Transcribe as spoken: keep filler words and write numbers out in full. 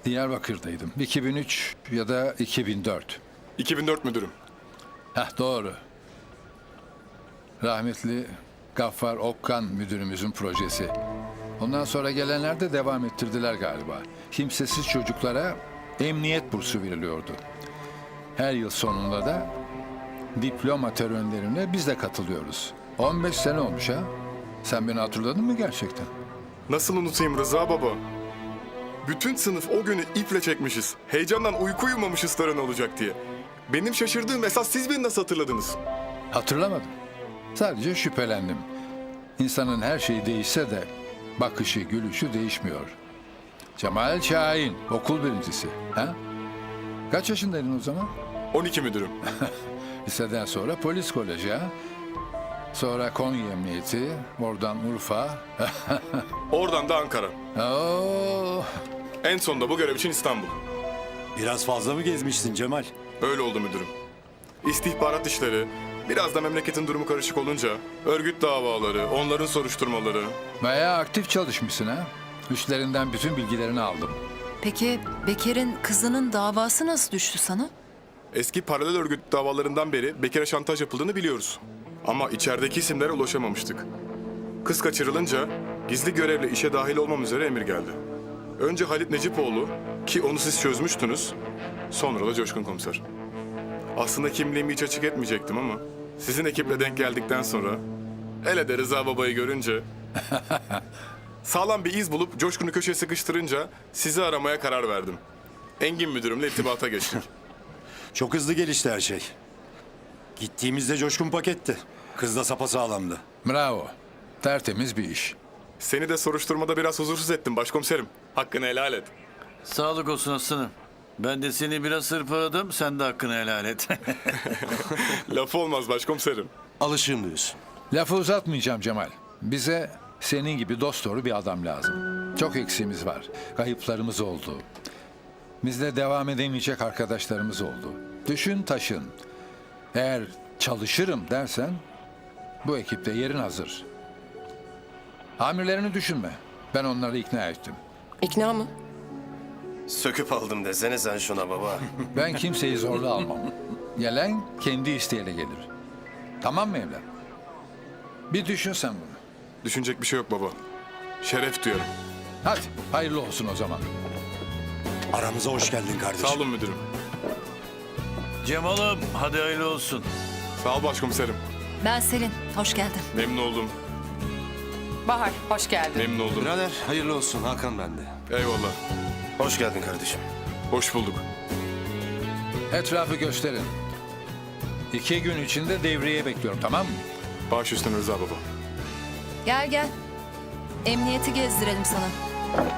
Diyarbakır'daydım. iki bin üç ya da iki bin dört. iki bin dört müdürüm. Heh, doğru. Rahmetli Gaffar Okkan müdürümüzün projesi. Ondan sonra gelenler de devam ettirdiler galiba. Kimsesiz çocuklara emniyet bursu veriliyordu. Her yıl sonunda da diploma törenlerine biz de katılıyoruz. on beş sene olmuş ha. Sen beni hatırladın mı gerçekten? Nasıl unutayım Rıza baba? Bütün sınıf o günü iple çekmişiz. Heyecandan uyku uyumamışız tören olacak diye. Benim şaşırdığım esas siz beni nasıl hatırladınız? Hatırlamadım. Sadece şüphelendim. İnsanın her şeyi değişse de bakışı, gülüşü değişmiyor. Cemal Şahin, okul birincisi. Ha? Kaç yaşındaydın o zaman? on iki müdürüm. Liseden sonra polis koleji ha? Sonra Konya Emniyeti, oradan Urfa. Oradan da Ankara. Oo, En sonunda bu görev için İstanbul. Biraz fazla mı gezmişsin Cemal? Öyle oldu müdürüm. İstihbarat işleri, biraz da memleketin durumu karışık olunca örgüt davaları, onların soruşturmaları. bayağı aktif çalışmışsın ha? Üstlerinden bütün bilgilerini aldım. Peki Bekir'in kızının davası nasıl düştü sana? Eski paralel örgüt davalarından beri Bekir'e şantaj yapıldığını biliyoruz. Ama içerideki isimlere ulaşamamıştık. Kız kaçırılınca gizli görevle işe dahil olmam üzere emir geldi. Önce Halit Necipoğlu ki onu siz çözmüştünüz. Sonra da Coşkun Komiser. Aslında kimliğimi hiç açık etmeyecektim ama sizin ekiple denk geldikten sonra hele de Rıza babayı görünce sağlam bir iz bulup Coşkun'u köşeye sıkıştırınca sizi aramaya karar verdim. Engin müdürümle irtibata geçtik. Çok hızlı gelişti her şey. Gittiğimizde Coşkun paketti. Kız da sapasağlamdı. Bravo. Tertemiz bir iş. Seni de soruşturmada biraz huzursuz ettim başkomiserim. Hakkını helal et. Sağlık olsun aslanım. Ben de seni biraz hırpaladım, sen de hakkını helal et. Lafı olmaz başkomiserim. Alışığım diyorsun. Lafı uzatmayacağım Cemal. Bize senin gibi dosdoğru bir adam lazım. Çok eksiğimiz var. Kayıplarımız oldu. Bizde devam edemeyecek arkadaşlarımız oldu. Düşün taşın. Eğer çalışırım dersen bu ekipte yerin hazır. Amirlerini düşünme. Ben onları ikna ettim. İkna mı? Söküp aldım desene sen şuna baba. Ben kimseyi zorla almam. Gelen kendi isteğiyle gelir. Tamam mı evlat? Bir düşün sen bunu. Düşünecek bir şey yok baba. Şeref duyarım. Hadi hayırlı olsun o zaman. Aramıza hoş geldin kardeşim. Sağ olun müdürüm. Cemal'ım, hadi hayırlı olsun. Sağ ol başkomiserim. Ben Selin, hoş geldin. Memnun oldum. Bahar, hoş geldin. Memnun oldum. Birader hayırlı olsun Hakan bende. Eyvallah. Hoş geldin kardeşim. Hoş bulduk. Etrafı gösterin. İki gün içinde devreye bekliyorum, tamam mı? Baş üstüne Rıza baba. Gel gel. Emniyeti gezdirelim sana.